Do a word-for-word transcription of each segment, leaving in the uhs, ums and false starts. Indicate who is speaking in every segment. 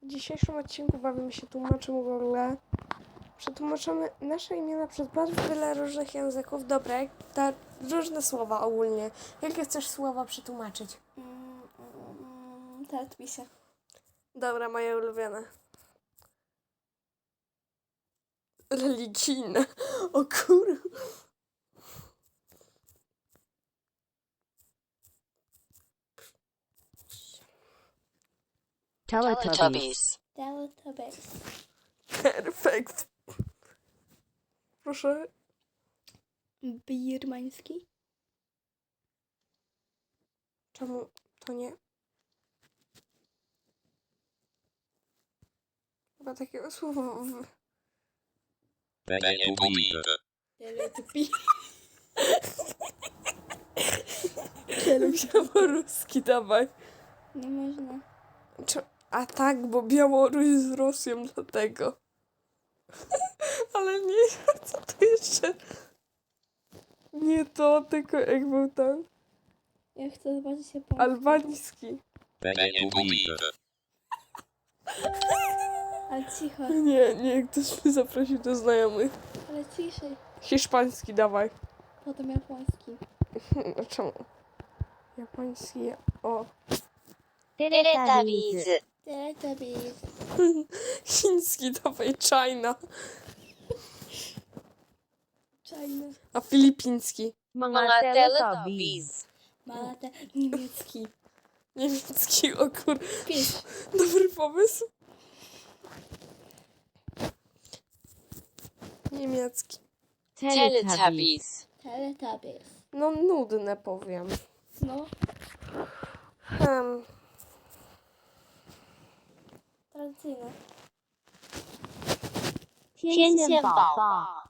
Speaker 1: W dzisiejszym odcinku bawimy się tłumaczem Google. Przetłumaczymy nasze imiona przez bardzo wiele różnych języków. Dobra, ta, różne słowa ogólnie. Jakie chcesz słowa przetłumaczyć?
Speaker 2: Mm, mm, Teletubbiesy.
Speaker 1: Dobra, moje ulubione. Religijne. O kur...
Speaker 3: Teletubbies.
Speaker 2: Teletubbies.
Speaker 1: Perfekt. Proszę.
Speaker 2: Birmański.
Speaker 1: Czemu to nie? Chyba takiego słowa w...
Speaker 2: Teletubbies.
Speaker 1: Białoruski, dawaj.
Speaker 2: Nie można.
Speaker 1: Czy... A tak, bo Białoruś z Rosją, dlatego. Ale nie, co to jeszcze? Nie to, tylko jak był tam.
Speaker 2: Ja chcę zobaczyć Japonię.
Speaker 1: Albański.
Speaker 2: Ale cicho,
Speaker 1: Nie, nie, ktoś mnie zaprosił do znajomych.
Speaker 2: ale ciszej.
Speaker 1: Hiszpański, dawaj.
Speaker 2: Potem japoński.
Speaker 1: A czemu? Japoński, o.
Speaker 3: Teletubbies.
Speaker 2: Teletubbies.
Speaker 1: Chiński, dawaj, China.
Speaker 2: China.
Speaker 1: A filipiński.
Speaker 3: Mga Teletubbies.
Speaker 2: Malate. Niemiecki.
Speaker 1: Niemiecki, o kur...
Speaker 2: Pies.
Speaker 1: Dobry pomysł. Niemiecki.
Speaker 3: Teletubbies.
Speaker 2: Teletubbies.
Speaker 1: No nudne powiem.
Speaker 2: No.
Speaker 1: Hmm.
Speaker 2: Tradycyjne.
Speaker 3: 天线宝宝。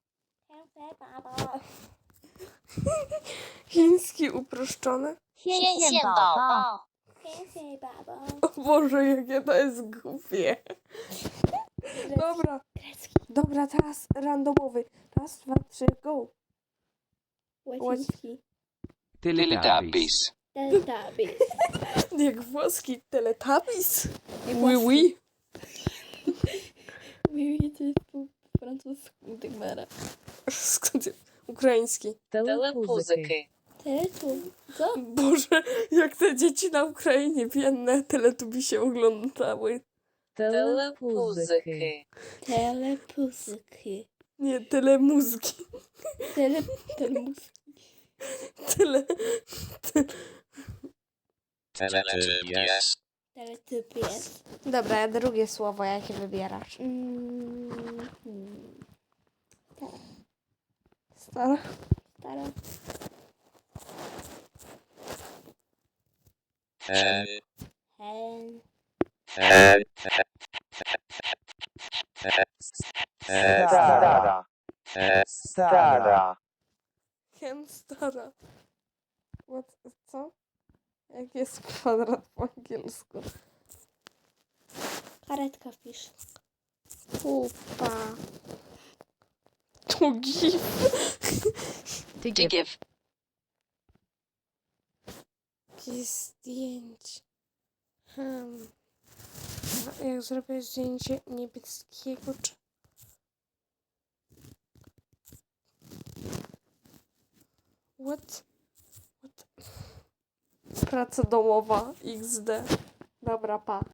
Speaker 1: Chiński uproszczony.
Speaker 3: 天线宝宝。
Speaker 2: Pięknie, baba.
Speaker 1: O Boże, jakie to jest głupie. Dobra,
Speaker 2: Grecki.
Speaker 1: dobra, teraz randomowy. Raz, dwa, trzy, go.
Speaker 2: Łaciński.
Speaker 4: Teletubbies.
Speaker 2: Teletubbies.
Speaker 1: Jak włoski Teletubbies.
Speaker 2: Nie
Speaker 1: Oui,
Speaker 2: włoski.
Speaker 1: oui.
Speaker 2: Mówię, to jest po francusku, tak mera.
Speaker 1: Skąd jest? Ukraiński.
Speaker 3: Telepuzyki.
Speaker 2: Teletub. Co?
Speaker 1: Boże, jak te dzieci na Ukrainie biedne Teletubisie oglądały.
Speaker 3: Telepuzyki.
Speaker 2: Telepuzyki.
Speaker 1: Nie, telemuzki.
Speaker 2: Tele... Telemus.
Speaker 1: Tele...
Speaker 4: Teletubbies.
Speaker 2: Teletubies.
Speaker 1: Dobra, a drugie słowo, jakie wybierasz?
Speaker 2: Mm, hmm.
Speaker 1: Stara.
Speaker 2: Stara.
Speaker 4: Hen.
Speaker 2: Hen.
Speaker 4: Hen.
Speaker 5: Stara. Stara.
Speaker 1: Hen stara. What? Co? Jak jest kwadrat po angielsku?
Speaker 2: Karetka wpisz.
Speaker 1: Pupa. To gif.
Speaker 3: To give.
Speaker 1: Jakieś zdjęcie. Hmm. A jak zrobię zdjęcie niebieskiego czy... What? What? Praca domowa. iks de. Dobra, pa.